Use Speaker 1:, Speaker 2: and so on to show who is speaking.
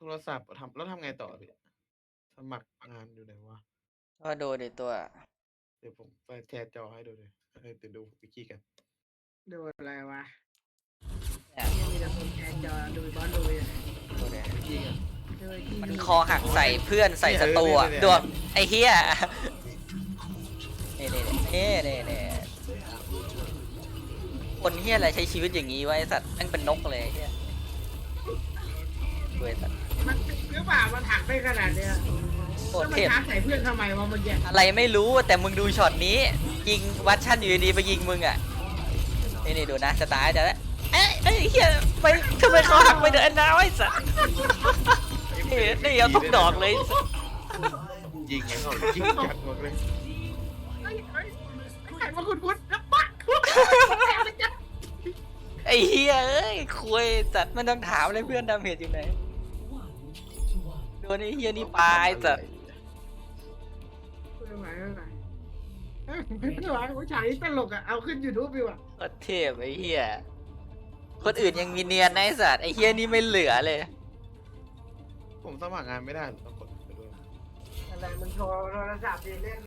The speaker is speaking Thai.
Speaker 1: รศัพท์ทำแล้วทำไงต่อพี่สมัครงานอยู่ไหนวะ
Speaker 2: ก็ดูดิตัว
Speaker 1: เดี๋ยวผมไปแชร์จอให้ดูเลยเดี๋ยวดูวิกี้กัน
Speaker 3: ดูอะไรวะ
Speaker 2: เนี่ย
Speaker 3: ยังมีแต่คนแชร์จอดูบอลดูอยู่
Speaker 2: ดูดิ
Speaker 1: วิกี้กัน
Speaker 3: ดูไอ้ที่
Speaker 2: มันคอหักใส่เพื่อนใส่ศัตรูอะ
Speaker 1: เนี่ย
Speaker 2: ดวงไอ้เฮียนี่คนเฮียอะไรใช้ชีวิตอย่างนี้วะไอสัตว์แม่งเป็นนกเลยไอ้เฮียดูไอ้สัตว์
Speaker 3: มันหรือเปล่ามันหักได้ขนาดเนี้ย
Speaker 2: โค
Speaker 3: แล้ว
Speaker 2: ตร
Speaker 3: มัน
Speaker 2: เทพ
Speaker 3: ท้าใส่เพื่อนทำไมวะเมื่อกี้
Speaker 2: อะไรไม่รู้แต่มึงดูช็อตนี้ ยิงวัดชั่นอยู่ดีๆไปยิงมึงอ่ะนี่ดูนะจะตายจะแล้วเอ้ยเฮียไปทำไมเขาหักไปเดินน้าไอ้สัสนี่เอาทุกดอกเลย
Speaker 1: ยิงไงเขายิงจัดหมดเลย
Speaker 3: เฮ้ยใครมาคุ้นๆแล้วปัก
Speaker 2: ไอ้เฮียเอ้ยคุยจัดมันต้องถามเลยเพื่อนดาเมจอยู่ไหนโดนไอ้เฮียนี่ปลายจัด
Speaker 3: ไม่ไหวผู้ชายตลกอ่ะเอาขึ้นยูทูบดีกว่า
Speaker 2: โคตรเทพไอ้เฮียคนอื่นยังมีเนียนนะไอ้สัตว์ไอ้เฮียนี่ไม่เหลือเลย
Speaker 1: ผมสมัครงานไม่ได้ต้องกดไปด้วย
Speaker 3: อะไรมึงโทรศัพท์เล่น